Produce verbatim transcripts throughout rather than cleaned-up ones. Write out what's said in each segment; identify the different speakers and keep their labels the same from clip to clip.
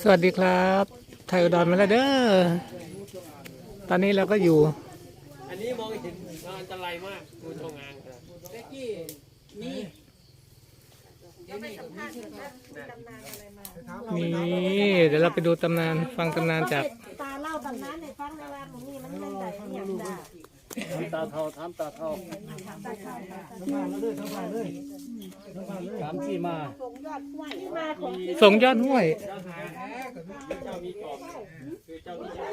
Speaker 1: สวัสดีครับไทยอุดรมาแล้วเด้อตอนนี้เราก็อยู่
Speaker 2: อันนี้มองเห็นอันตรายมากดูตรงงานครับเจ๊กี้นี่
Speaker 1: นี่เดี๋ยวเราไปดูตำนานฟังตำนานจาก
Speaker 3: ตาเล่าตำนานในฟังในวันของนี่มันเป็นแบบอย่างจ้า
Speaker 2: ตาเท่าทำตาเท่าสามสี่มา
Speaker 3: ที่มาของ
Speaker 1: ส่งยอดห้วย
Speaker 2: เจ้ามีจอบคือเจ้ามีจอบ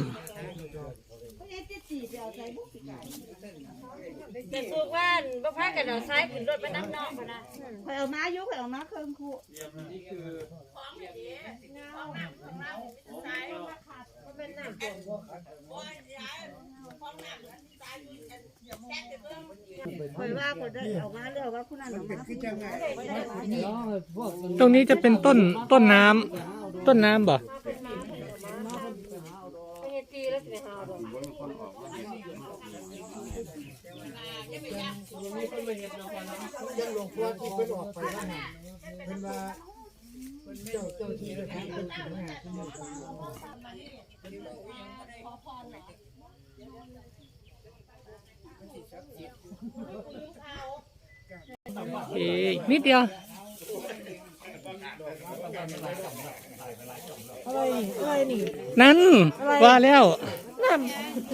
Speaker 4: จะสู้กันบ่พากันเอาซ้ายขึ้นรถไปน้ำนอกพะนะ
Speaker 3: คอยเอามายุคอยเอามาเครื่องคู่
Speaker 2: นี่คือ
Speaker 3: คอยว่าคนได้เอามาเรื่องว่าคุณนั่นเอามา
Speaker 1: ตรงนี้จะเป็นต้นต้นน้ำต้นน้ำบ่
Speaker 4: ไปเฮ็ดตีแล้วสิหาบ่
Speaker 1: เอ๊ะนิดเดียว
Speaker 3: อะไรนี่อะไรนี่
Speaker 1: นั่นว่าแล้ว
Speaker 3: นั่น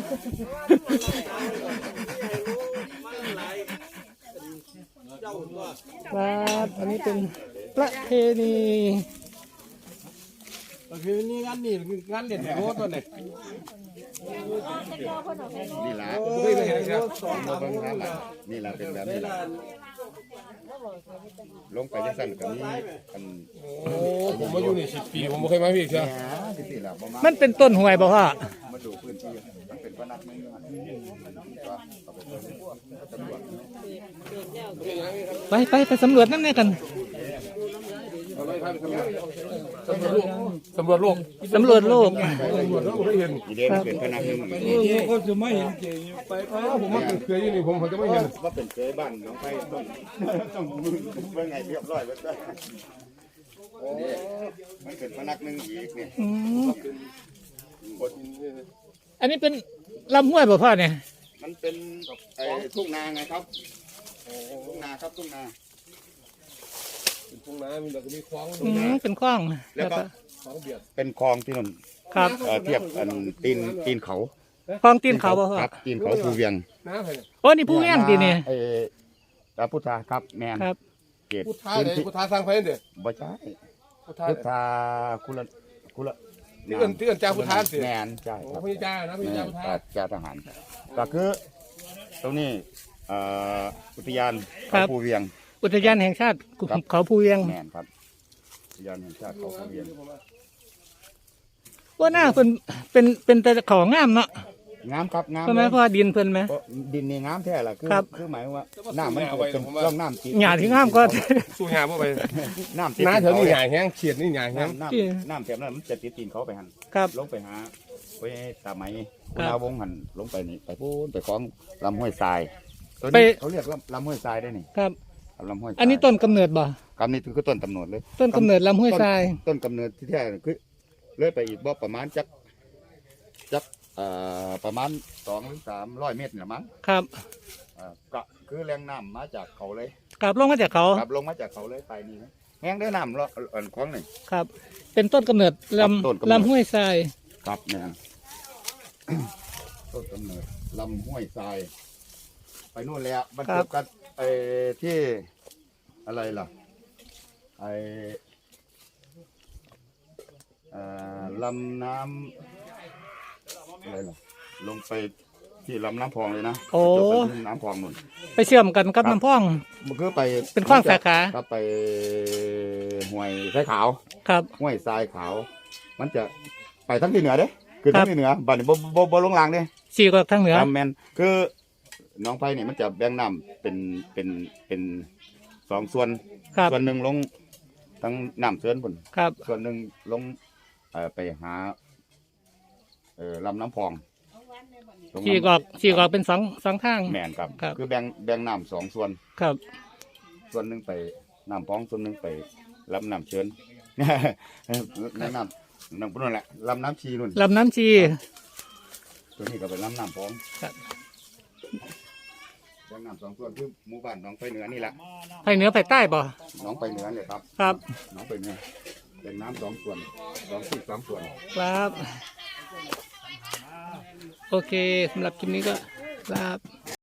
Speaker 1: ครับอันนี้เป็นประเพณี
Speaker 2: คือนี่งานนี่งานเด่นโคตรตัวไหน
Speaker 5: นี่ละ
Speaker 2: ไม่เคยเห็นครับ
Speaker 5: มาเบิ่งครับนี่ละเป็นแบบนี้ละลงไปยังสั่นกับนี้อัน
Speaker 2: โอ้ผมมาอยู่นี่สิบปีผมไม่เคยมาพี่เชียว
Speaker 5: ที่สี่ละประมาณ
Speaker 1: มันเป็นต้นห้วยบ่พ่อ
Speaker 5: มาดูพื้นที่มันเป็นพนักงาน
Speaker 1: ไปไปไปสำรวจนั่นแน่กัน
Speaker 2: สำรวจโลก
Speaker 1: สำรวจโลก
Speaker 2: สำรวจโลกไม่เห็น
Speaker 5: อีเด่นเป็นพนักงาน
Speaker 2: ก็จะไม่เห็นเจไปผมมาเคยอยู่นี่ผมจะไม่เห็น
Speaker 5: ว่าเป็นเคยบ้านน้องไปต้องต้องมือเมื่อไงเรียบร้อยไว้ได้โอ้มันเป็นพนักงานอีกเนี่ย
Speaker 1: อืมอันนี้เป็นลำห้วยบ่พ่อเนี่ย
Speaker 5: มันเป็นไอ้ทุ่งนาไงครับทุ่งนาครับทุ่งนา
Speaker 2: ทุ่งนามีแต่ก็มีคลอง
Speaker 1: อืมเป็นคลอง
Speaker 5: แล้วก็
Speaker 2: คลองเบียด
Speaker 5: เป็นคลองที่นน
Speaker 1: ครับ
Speaker 5: เอ่อเทียบอันตีนตีนเขา
Speaker 1: คลองตีนเขาบ่พ่อ
Speaker 5: ครับตีนเขาภูเวียง
Speaker 2: น้ำใคร
Speaker 1: โอ้นี่ผู้แย่งดีเนี่ย
Speaker 5: เออพระพุทธาครับแมน
Speaker 1: ครับ
Speaker 5: เกต
Speaker 2: พุทธาเลยพุทธาสร้างไฟเด้อ
Speaker 5: บ่ใช่
Speaker 2: พุทธา
Speaker 5: พุทธาคุละคุละ
Speaker 2: ที่เอิ้นที่เอิ้นจ่าพุทธาสิ
Speaker 5: แมนใช่
Speaker 2: โอ้
Speaker 5: ครับ
Speaker 2: พี่จ่านะพี่จ่าพุทธา
Speaker 5: จ่าทหารก็คือตรงนี้เอ่ออุทยาน
Speaker 1: ครั
Speaker 5: เขา
Speaker 1: บ
Speaker 5: ภูเวียง
Speaker 1: อุทยานแห่งชาติเขาภูเวียง
Speaker 5: แมนครับอุทยานแห่งชาติเขาภูเวียง
Speaker 1: ว่าหน้าเป็นเป็นเป็นแต่ของงามเนาะ
Speaker 5: งามครับงาม
Speaker 1: ใช่ไหม
Speaker 5: เลย
Speaker 1: พ่อดินเพิ่นไหม
Speaker 5: เพราะดินนี่งามแท้ล่ะคือ
Speaker 1: ครับ
Speaker 5: คือหมายว่าน้ำมันเป็นร่องน้ำติด
Speaker 1: หญ้าที่งามก็
Speaker 2: สู้หาบ่ไป
Speaker 5: น้ำติด
Speaker 2: น้าเถอะนี่
Speaker 5: เขา
Speaker 2: หาแห้งเฉียดนี่หาแห้ง
Speaker 5: น้ำ
Speaker 1: ที่
Speaker 5: น้ำน้ำแถบนั้นมันจะติดตีนเขาไปหัน
Speaker 1: ครับ
Speaker 5: ลงไปหาไปตาไหม
Speaker 1: ครั
Speaker 5: คุ
Speaker 1: บ
Speaker 5: ณาวงหันลงไปนี่ไปพูนไปคล้องลำห้วยทรายตัว
Speaker 1: ไป
Speaker 5: นี้เขาเรียกลำลำห้วยทรายได้นี่
Speaker 1: ครับ
Speaker 5: ลำห้วยทราย
Speaker 1: อันนี้ต้นกำเนิดบ่
Speaker 5: กำนี้คือต้นกำเนิดเลย
Speaker 1: ต้นกำเนิดลำห้วยทราย
Speaker 5: ต้นกำเนิดที่แท้คือเลื่อยไปอีกบ่ประมาณจักจักเอ่อประมาณสองหรือสามร้อยเมตรเนี่ยมั้ง
Speaker 1: ครับ
Speaker 5: เอ่อก็คือแรงน้ำมาจากเขาเลย
Speaker 1: กลับลงมาจากเขา
Speaker 5: ครับลงมาจากเขาเลยไปนี่นะแห้งได้น้ำละอ่อนคล้องหนึ่ง
Speaker 1: ครับ เป็นต้นกำเนิดล
Speaker 5: ครับต้นกำเนิด
Speaker 1: ำลำห้วยทราย
Speaker 5: ครับเนี่ย ต้นกำเนิดลำห้วยทราย ไปนู่นแล้วบรรจบกันไอ้ที่อะไรล่ะไอ้เอ่อลำน้ำอะไรล่ะลงไปที่ลำน้ำพองเลยนะ
Speaker 1: โอ้
Speaker 5: จบกันที่น้ำพองนู่น
Speaker 1: ไปเชื่อมกันกับน้ำพ่อง
Speaker 5: มันคือไป
Speaker 1: เป็นขว้างสาขา
Speaker 5: ครับไปห้วยทรายขาว
Speaker 1: ครับ
Speaker 5: ห้วยทรายขาว มันจะไปทั้งที่เหนือเด้คือ
Speaker 1: ครั
Speaker 5: ทั้
Speaker 1: บ
Speaker 5: งที่เหนือบัดนี้บ่บ่บ่ลงล่างเด้
Speaker 1: สี่ก็ทางเหนือ
Speaker 5: ตามแมนคือหน้องไผ่เนี่ยมันจะแบ่งน้ำเป็นเป็นเป็นสองส่วน
Speaker 1: ครับ
Speaker 5: ส่วนหนึ่งลงทั้งน้ำเสือนพุ่น
Speaker 1: ครับ
Speaker 5: ส่วนหนึ่งลงเอ่อไปหาเอ่อลำน้ำพองลง
Speaker 1: สี่กอกสี่กอกเป็นสองสองทาง
Speaker 5: แมนครับ
Speaker 1: ครับ
Speaker 5: คือแบ่งแบ่งน้ำสองส่วน
Speaker 1: ครับ
Speaker 5: ส่วนหนึ่งไปน้ำพองส่วนหนึ่งไปลำน้ำเชิญ แนะนำนั่นพุ่นนั่นแหละลำน้ำชีนุ่น
Speaker 1: ลำน้ำชี
Speaker 5: ตัวนี้ก็เป็นลำน้ำพอง
Speaker 1: ครับ
Speaker 5: ลำน้ำสองส่วนคือหมู่บ้านหนองไปเหนือนี่แหละ
Speaker 1: ไปเหนือไปใต้บ่
Speaker 5: หนองไปเหนือเลยครับ
Speaker 1: ครับ
Speaker 5: หนองไปเหนือเป็นน้ำสองส่วนสองที่สามส่วน
Speaker 1: ครับ โอเคสำหรับคลิปนี้ก็ครับ